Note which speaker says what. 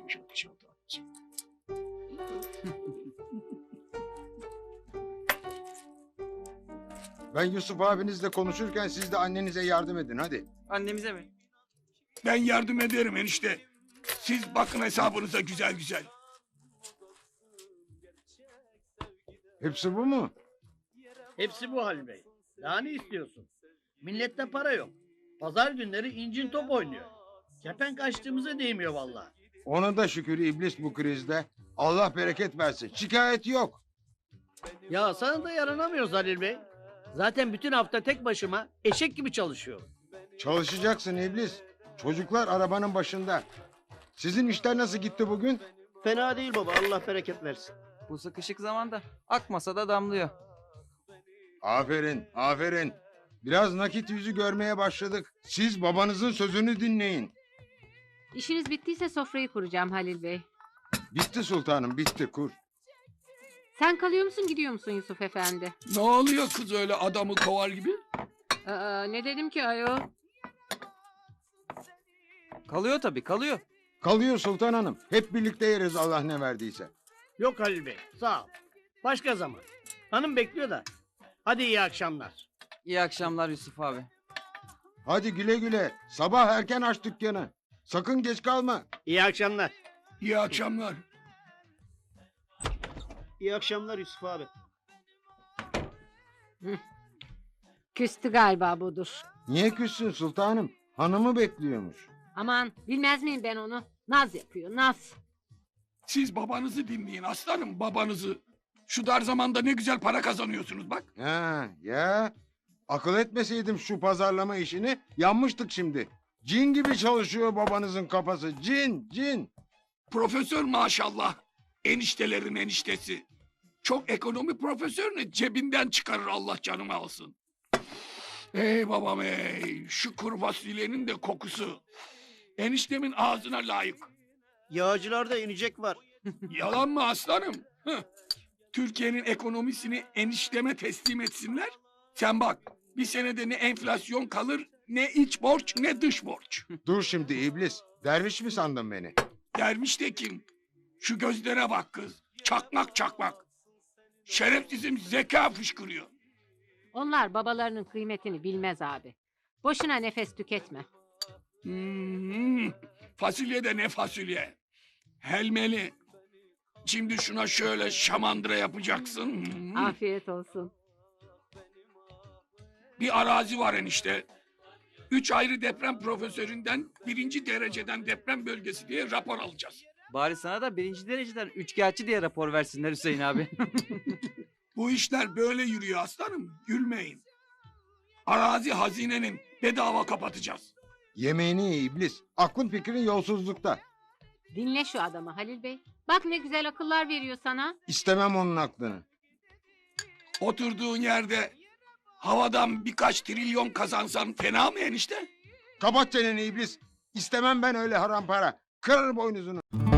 Speaker 1: geçmiş olsun.
Speaker 2: Ben Yusuf abinizle konuşurken siz de annenize yardım edin hadi.
Speaker 3: Annemize mi?
Speaker 1: Ben yardım ederim enişte. Siz bakın hesabınıza güzel güzel.
Speaker 2: Hepsi bu mu?
Speaker 4: Hepsi bu Halil Bey. Daha ne istiyorsun? Millette para yok. Pazar günleri incin top oynuyor. Kepenk açtığımıza değmiyor vallahi.
Speaker 2: Ona da şükür iblis bu krizde. Allah bereket versin. Şikayet yok.
Speaker 4: Ya sana da yaranamıyoruz Halil Bey. Zaten bütün hafta tek başıma eşek gibi çalışıyorum.
Speaker 2: Çalışacaksın iblis. Çocuklar arabanın başında. Sizin işler nasıl gitti bugün?
Speaker 5: Fena değil baba, Allah bereket versin.
Speaker 3: Bu sıkışık zamanda akmasa da damlıyor.
Speaker 2: Aferin, aferin. Biraz nakit yüzü görmeye başladık. Siz babanızın sözünü dinleyin.
Speaker 6: İşiniz bittiyse sofrayı kuracağım Halil Bey.
Speaker 2: Bitti sultanım, bitti kur.
Speaker 6: Sen kalıyor musun gidiyor musun Yusuf Efendi?
Speaker 1: Ne oluyor kız öyle adamı kovar gibi?
Speaker 6: Ne dedim ki ayol?
Speaker 3: Kalıyor tabii kalıyor.
Speaker 2: Kalıyor sultan hanım. Hep birlikte yeriz Allah ne verdiyse.
Speaker 4: Yok Halil Bey, sağ ol. Başka zaman. Hanım bekliyor da. Hadi iyi akşamlar.
Speaker 3: İyi akşamlar Yusuf abi.
Speaker 2: Hadi güle güle. Sabah erken aç dükkanı. Sakın geç kalma.
Speaker 4: İyi akşamlar.
Speaker 1: İyi akşamlar.
Speaker 5: İyi akşamlar Yusuf abi.
Speaker 6: Küstü galiba budur.
Speaker 2: Niye küssün sultanım? Hanımı bekliyormuş.
Speaker 6: Aman bilmez miyim ben onu? Naz yapıyor naz.
Speaker 1: Siz babanızı dinleyin aslanım babanızı. Şu dar zamanda ne güzel para kazanıyorsunuz bak.
Speaker 2: Ha ya. Akıl etmeseydim şu pazarlama işini yanmıştık şimdi. Cin gibi çalışıyor babanızın kafası. Cin, cin.
Speaker 1: Profesör maşallah. Eniştelerin eniştesi. Çok ekonomi profesörünü cebinden çıkarır Allah canımı alsın. Ey babam ey. Şu kuru fasulyenin de kokusu. Eniştemin ağzına layık.
Speaker 5: Yağcılarda inecek var.
Speaker 1: Yalan mı aslanım? Hıh. Türkiye'nin ekonomisini enişteme teslim etsinler. Sen bak bir senede ne enflasyon kalır ne iç borç ne dış borç.
Speaker 2: Dur şimdi iblis. Derviş mi sandın beni?
Speaker 1: Derviş de kim? Şu gözlere bak kız. Çakmak çakmak. Şerefsizim zeka fışkırıyor.
Speaker 6: Onlar babalarının kıymetini bilmez abi. Boşuna nefes tüketme.
Speaker 1: Fasulye de ne fasulye. Helmeli. Şimdi şuna şöyle şamandıra yapacaksın.
Speaker 6: Afiyet olsun.
Speaker 1: Bir arazi var enişte. 3 ayrı deprem profesöründen 1. dereceden deprem bölgesi diye rapor alacağız.
Speaker 3: Bari sana da 1. dereceden üçkağıtçı diye rapor versinler Hüseyin abi.
Speaker 1: Bu işler böyle yürüyor aslanım. Gülmeyin. Arazi hazinenin bedava kapatacağız.
Speaker 2: Yemeğini ye iblis. Aklın fikrin yolsuzlukta.
Speaker 6: Dinle şu adamı Halil Bey. Bak ne güzel akıllar veriyor sana.
Speaker 2: İstemem onun aklını.
Speaker 1: Oturduğun yerde havadan birkaç trilyon kazansan fena mı enişte?
Speaker 2: Kapat çeneni iblis. İstemem ben öyle haram para. Kırarım boynuzunu.